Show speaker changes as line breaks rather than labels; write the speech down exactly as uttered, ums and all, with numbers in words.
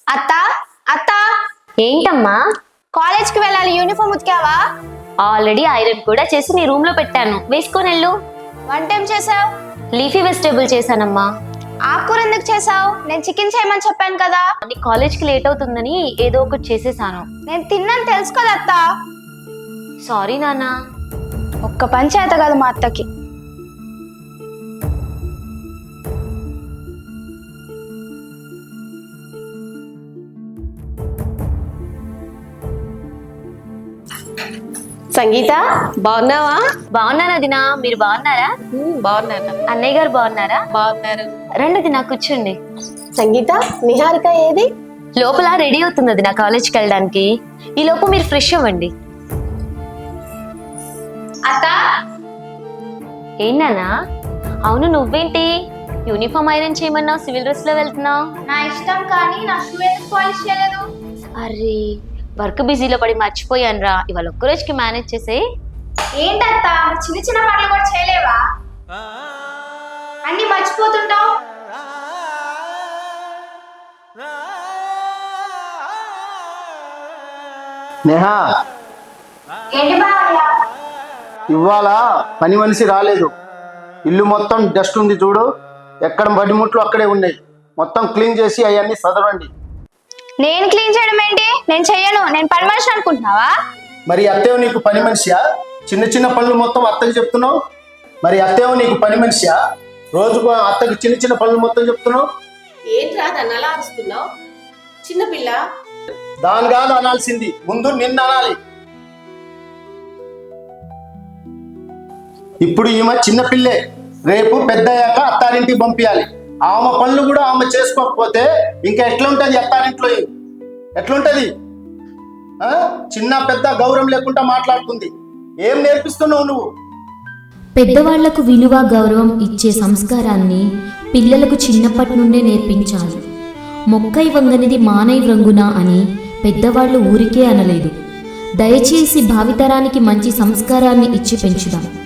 అత్త అత్త
ఏంటమ్మా?
కాలేజ్ కి వెళ్ళాలి, యూనిఫామ్ ఉతికావా?
ఆల్రెడీ ఐరన్ కూడా చేసి నీ రూమ్ లో పెట్టాను, వేసుకొని వెళ్ళు.
వంట ఏం చేసావు?
లీఫీ వెజిటేబుల్ చేశానమ్మా.
ఆకుకూర ఎందుకు చేసావు? నేను చికెన్ చేయమని చెప్పాను కదా.
నీ కాలేజ్ కి లేట్ అవుతుందని ఏదో ఒకటి చేసేసాను.
నేను తిన్నాను తెలుసు కదా అత్త.
సారీ నాన్న.
ఒక్క పంచాయత కాదు మా అత్తకి.
సంగీత, బాగున్నావా?
బాగున్నాను వదినా, మీరు బాగున్నారా?
బాగున్నాను.
అన్నయ్య గారు బాగున్నారా?
బాగున్నారు.
రండి వదినా, కూర్చోండి.
సంగీత, నిహారిక ఏది?
లోపల రెడీ అవుతుంది వదినా కాలేజ్కి వెళ్ళడానికి. ఈ లోపు మీరు ఫ్రెష్ అవ్వండి.
అత్త
ఏంటన్నా? అవును, నువ్వేంటి యూనిఫామ్ ఐరన్ చేయమన్నావు, సివిల్ డ్రెస్ లో వెళ్తున్నావు?
నా ఇష్టం, కానీ నా షూ ఎందుకు పాలిష్ చేయలేదు?
అరే, వర్క్ బిజీలో పడి మర్చిపోయాను రా. ఇవాళ ఒక్క రోజుకి మేనేజ్ చేసే.
ఏంటత్త, చిన్న చిన్న పనులు కూడా చేయలేవా? అన్ని మర్చిపోతుంటావు.
నేహా,
ఏంటి బావయ్య?
ఇవాళ పని మనిషి రాలేదు. ఇల్లు మొత్తం డస్ట్ ఉంది చూడు, ఎక్కడ పడిముట్లు అక్కడే ఉన్నాయి. మొత్తం క్లీన్ చేసి అవన్నీ చదవండి.
నేను క్లీన్ చేయడం ఏంటి? నేను చెయ్యను. నేను పని మనిషి అనుకుంటున్నావా?
మరి అత్తేవు నీకు పని మనిషియా? చిన్న చిన్న పనులు మొత్తం అత్తకి చెప్తున్నావు. మరి అత్తేవు నీకు పని మనిషియా? రోజుకు అత్తకి చిన్న చిన్న పనులు మొత్తం చెప్తున్నావు.
ఏంటి రా దాన్ని అలా అరుస్తున్నావు? చిన్నపిల్ల.
దాని కాదు అనాల్సింది, ముందు నిన్ను అనాలి. ఇప్పుడు ఈమె చిన్న పిల్లే, రేపు పెద్ద అయ్యాక అత్తారింటికి పంపించాలి. ఆమె పనులు కూడా ఆమె చేసుకోకపోతే ఇంకా ఎట్లుంటది అత్తారింట్లో? ఎట్లుంటది? ఆ చిన్న పెద్ద గౌరవం లేకుండా మాట్లాడుతుంది. ఏం నేర్పిస్తున్నావు నువ్వు?
పెద్దవాళ్లకు విలువ గౌరవం ఇచ్చే సంస్కారాన్ని పిల్లలకు చిన్నప్పటి నుండే నేర్పించాలి. మొక్కై వంగనిది మానై వ్రంగున అని పెద్దవాళ్లు ఊరికే అనలేదు. దయచేసి భావితరానికి మంచి సంస్కారాన్ని ఇచ్చి పెంచుదాం.